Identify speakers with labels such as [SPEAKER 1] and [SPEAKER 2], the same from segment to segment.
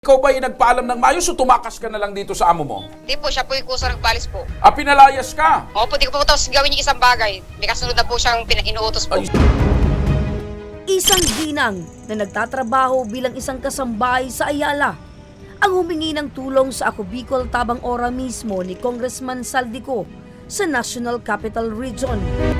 [SPEAKER 1] Ikaw ba ay nagpaalam ng maayos o tumakas ka na lang dito sa amo mo?
[SPEAKER 2] Hindi po, siya po yung kusa nagpalis po.
[SPEAKER 1] Pinalayas ka?
[SPEAKER 2] Opo, di ko po tapos gawin yung isang bagay. May kasunod na po siyang inuutos po.
[SPEAKER 1] Ay,
[SPEAKER 3] Isang ginang na nagtatrabaho bilang isang kasambahay sa Ayala ang humingi ng tulong sa Ako Bicol Tabang Ora mismo ni Congressman Saldico sa National Capital Region.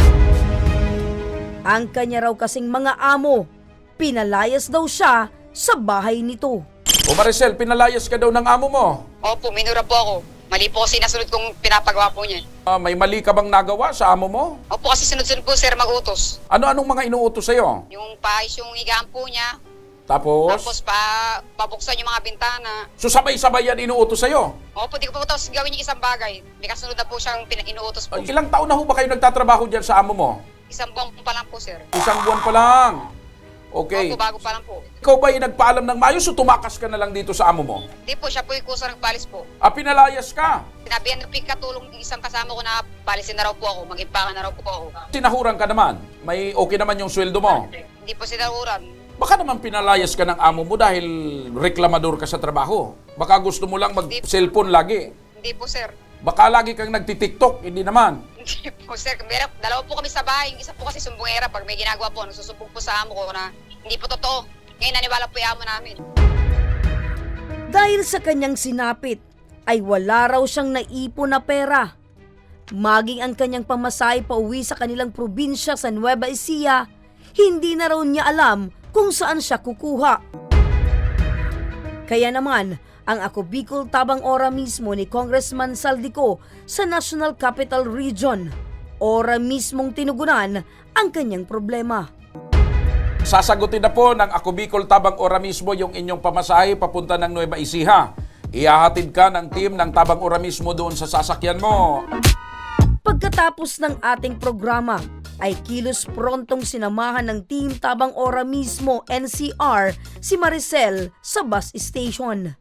[SPEAKER 3] Ang kanya raw kasing mga amo, pinalayas daw siya sa bahay nito.
[SPEAKER 1] O Maricel, pinalayas ka daw ng amo mo.
[SPEAKER 2] Opo, minura po ako. Mali po kasi nasunod kong pinapagawa po niya.
[SPEAKER 1] May mali ka bang nagawa sa amo mo?
[SPEAKER 2] Opo, kasi sunod-sunod po sir mag-utos.
[SPEAKER 1] Anong mga inuutos sa'yo?
[SPEAKER 2] Yung paayos yung higaan po niya.
[SPEAKER 1] Tapos
[SPEAKER 2] Tapos pabuksan yung mga bintana.
[SPEAKER 1] so sabay-sabay yan inuutos sa'yo?
[SPEAKER 2] Opo, di ko po tapos gawin yung isang bagay. May kasunod na po siyang inuutos po.
[SPEAKER 1] Ilang taon na ho ba kayo nagtatrabaho dyan sa amo mo?
[SPEAKER 2] Isang buwan pa lang po sir.
[SPEAKER 1] Isang buwan pa lang. Okay.
[SPEAKER 2] Opo, bago pa lang po.
[SPEAKER 1] Ikaw ba ay nagpaalam ng maayos o tumakas ka na lang dito sa amo mo?
[SPEAKER 2] Hindi po, siya po yung kusa nagpalis po.
[SPEAKER 1] Pinalayas ka?
[SPEAKER 2] Sinabihan ng katulong yung isang kasama ko na palisin na raw po ako, mag-impangan na raw po ako.
[SPEAKER 1] Sinahuran ka naman? May okay naman yung sweldo mo?
[SPEAKER 2] Hindi po sinahuran.
[SPEAKER 1] Baka naman pinalayas ka ng amo mo dahil reklamador ka sa trabaho. Baka gusto mo lang mag-cellphone lagi.
[SPEAKER 2] Hindi po sir.
[SPEAKER 1] Baka lagi kang nagtitiktok, hindi naman.
[SPEAKER 2] Hindi po sir. Dalawa po kami sa bahay. Yung isa po kasi sumbongera. Pag may ginagawa po, nagsusumbong po sa amo ko na hindi po totoo. Ngayon naniwala po yung amo namin.
[SPEAKER 3] Dahil sa kanyang sinapit, ay wala raw siyang naipon na pera. Maging ang kanyang pamasahe pa uwi sa kanilang probinsya sa Nueva Ecija, hindi na raw niya alam kung saan siya kukuha. Kaya naman, ang Ako Bicol Tabang Ora mismo ni Congressman Saldico sa National Capital Region, ora mismong tinugunan ang kanyang problema.
[SPEAKER 1] Sasagutin na po ng Ako Bicol Tabang Ora mismo yung inyong pamasahe papunta ng Nueva Ecija. Ihahatid ka ng team ng Tabang Ora mismo doon sa sasakyan mo.
[SPEAKER 3] Pagkatapos ng ating programa, ay kilos prontong sinamahan ng Team Tabang Ora mismo NCR si Maricel sa bus station.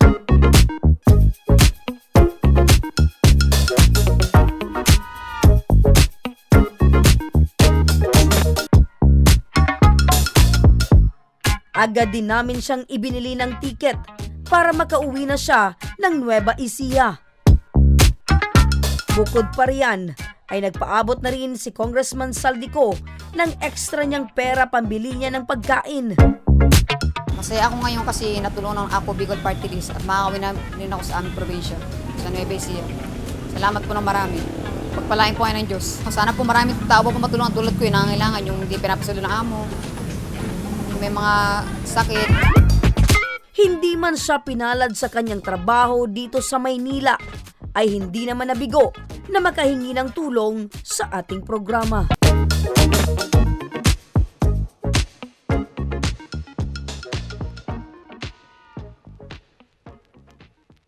[SPEAKER 3] Agad din namin siyang ibinili ng tiket para makauwi na siya ng Nueva Ecija. Bukod pa riyan, ay nagpaabot na rin si Congressman Saldico ng extra niyang pera pambili niya ng pagkain.
[SPEAKER 4] Masaya ako ngayon kasi natulungan ng Ako Bicol Party List at makakawin na rin ako sa aming probinsya, sa Nueva Ecija. Salamat po ng marami. Pagpalain po kayo ng Diyos. Sana po maraming tao po matulungan tulad ko yung nangangailangan, yung hindi pinapasalo ng amo, yung may mga sakit.
[SPEAKER 3] Hindi man siya pinalad sa kanyang trabaho dito sa Maynila, ay hindi naman nabigo na makahingi ng tulong sa ating programa.